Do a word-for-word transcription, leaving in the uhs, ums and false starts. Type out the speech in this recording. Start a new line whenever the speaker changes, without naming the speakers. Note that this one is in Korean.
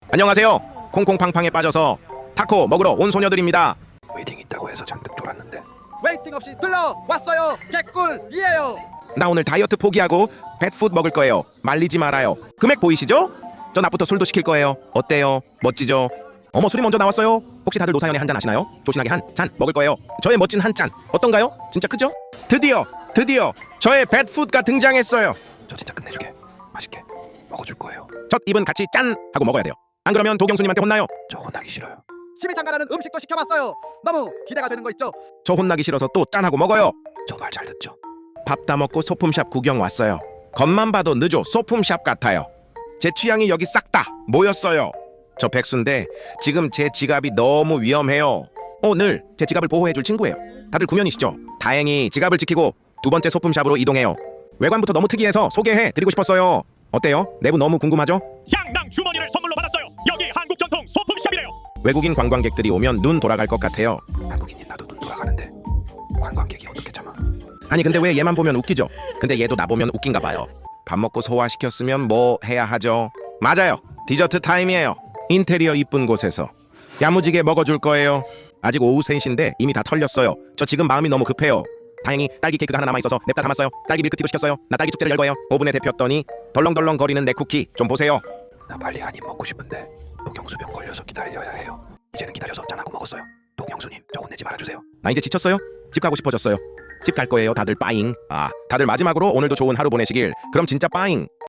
안녕하세요. 콩콩팡팡에 빠져서 타코 먹으러 온 소녀들입니다.
웨이팅 있다고 해서 잔뜩 졸았는데
웨이팅 없이 들러왔어요. 개꿀이에요.
나 오늘 다이어트 포기하고 뱃푸드 먹을 거예요. 말리지 말아요. 금액 보이시죠? 저 낮부터 술도 시킬 거예요. 어때요? 멋지죠? 어머, 술이 먼저 나왔어요. 혹시 다들 노사연에 한 잔 아시나요? 조신하게 한 잔 먹을 거예요. 저의 멋진 한 잔 어떤가요? 진짜 크죠? 드디어 드디어 저의 뱃푸드가 등장했어요.
저 진짜 끝내주게 맛있게 먹어줄 거예요.
첫 입은 같이 짠 하고 먹어야 돼요. 안 그러면 도경수님한테 혼나요.
저 혼나기 싫어요.
심의장가라는 음식도 시켜봤어요. 너무 기대가 되는 거 있죠?
저 혼나기 싫어서 또 짠하고 먹어요.
저 말 잘 듣죠?
밥 다 먹고 소품샵 구경 왔어요. 겉만 봐도 느조 소품샵 같아요. 제 취향이 여기 싹 다 모였어요. 저 백수인데 지금 제 지갑이 너무 위험해요. 오늘 제 지갑을 보호해줄 친구예요. 다들 구면이시죠? 다행히 지갑을 지키고 두 번째 소품샵으로 이동해요. 외관부터 너무 특이해서 소개해드리고 싶었어요. 어때요? 내부 너무 궁금하죠?
향당 주머니를 선물로 받았어요. 여기 한국 전통 소품샵이래요.
외국인 관광객들이 오면 눈 돌아갈 것 같아요.
한국인인 나도 눈 돌아가는데 관광객이 어떻게 참아?
아니 근데 왜 얘만 보면 웃기죠? 근데 얘도 나 보면 웃긴가 봐요. 밥 먹고 소화시켰으면 뭐 해야 하죠? 맞아요. 디저트 타임이에요. 인테리어 이쁜 곳에서 야무지게 먹어줄 거예요. 아직 오후 세 시인데 이미 다 털렸어요. 저 지금 마음이 너무 급해요. 다행히 딸기 케이크가 하나 남아있어서 냅다 담았어요. 딸기 밀크티도 시켰어요. 나 딸기 축제를 열 거예요. 오븐에 데폈더니 덜렁덜렁 거리는 내 쿠키 좀 보세요.
나 빨리 한 입 먹고 싶은데 독영수병 걸려서 기다려야 해요. 이제는 기다려서 짠하고 먹었어요. 독영수님 저 혼내지 말아주세요.
나 이제 지쳤어요. 집 가고 싶어졌어요. 집 갈 거예요. 다들 빠잉. 아, 다들 마지막으로 오늘도 좋은 하루 보내시길. 그럼 진짜 빠잉.